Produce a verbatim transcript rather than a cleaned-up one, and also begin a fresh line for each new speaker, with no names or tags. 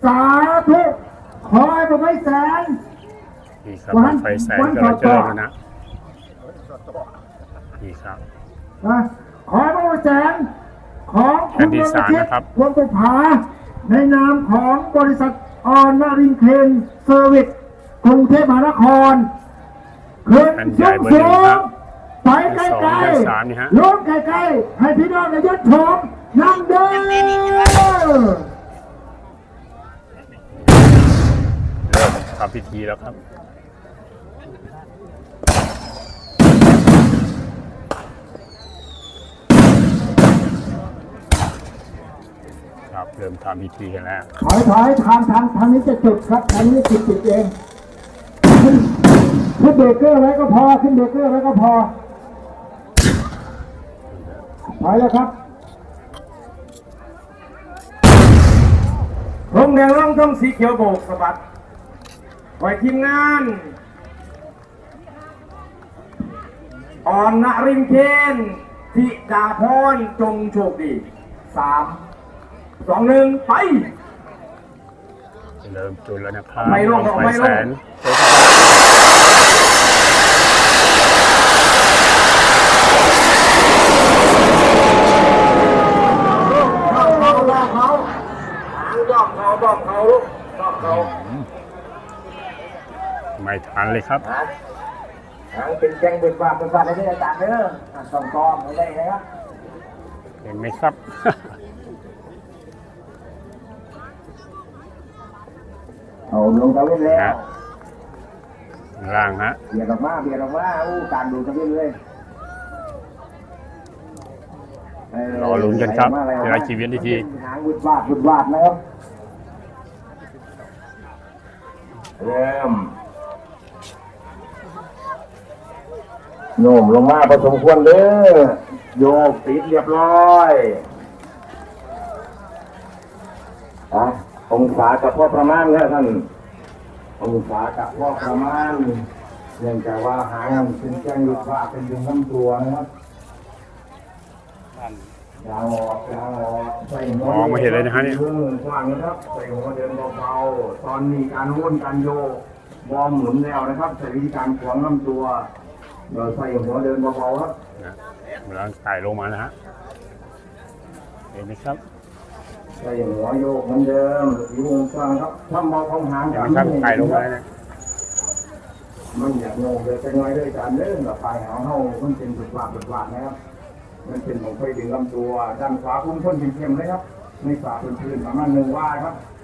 สาธุขอให้ผมไม่แสน
นี่ครับบั้งไฟแสนก็เราจะเริ่มแล้วนะนี่ครับ
ขอให้ผมไม่แสนของคุณวรชิตวงศ์บุภาในนามของบริษัทออนนารินเคนเซอร์วิสกรุงเทพมหานครขึ้นสูงสูงไปไกลๆล้นไกลๆให้พี่น้องในยศชมนั่งเด้อ
เริ่มทำพิธีแล้วครับครับเริ่มทำพิธีกันแล้ว
ถอยถอยทางทางทางนี้จะจุดครับทางนี้จุดจุดเองขึ้นเบรกเกอร์ไว้ก็พอขึ้นเบรกเกอร์ไว้ก็พอถอยแล้วครับ
ธงแดงร่องธงสีเขียวโบกสะบัดไว้ทีมงานอ่อนนรินเคนธิดาพรจงโชคดีสามสองหนึ่งไป
เริ่มจุดแล้วนะครับ
ไม่ลงไม่ลงบอกเขาลูกบอกเขา
ไม่ทันเลยครับ
หางเป็นแจ้งเบิดบาเป็นบาได้อาจารย์เด้อสองกองไม่ได้นะครับ
เห็นไหมครับ
เอาลงตะเวนแล้ว
ล่างฮะ
เบียดออกมาเบียดออกมาอู้การดูตะเวนเลย
รอลุ้นกันครับเวลาชีวิตที
หางบุดบาดบุดบาดนะครับเริ่มโน้มลงมาผสมควรเด้อโยกติดเรียบร้อยอ่ะองศากับพ่อประมาณแล้วท่านองศากับพ่อประมาณเนื่องจากว่าหางเป็นแจ้งหยุดว่าเป็นดึงลำตัวนะครับยางออกยางออกใส่หัว
มองไม่เห็นเลยนะฮะเนี่ย
กว้างนะครับใส่หัวเดินเบาๆตอนนี้การวนการโยกบอมหมุนแล้วนะครับใส่วิธีการขวางลำตัวเราใส่หัวเดินเบาๆครับ
เวลาถ่ายลงมานะฮะเห็นไหมครับ
ใส่หัวโยกเหมือนเดิมอยู่วงกลางครับทำเบาของหาง
อย่างนี้ถ่ายลงมาเนี่ย
มันอยากโง่เลยเป็นไงด้วยการเล่นแบบปลายหางเขามันเป็นจุดหลักจุดหลักนะครับมันเป็นของไฟดึงลำตัวด้านขวาพุ่งพ้นเข้มๆเลยครับในฝ่าพื้นๆประมาณหนึ่งว่าครับ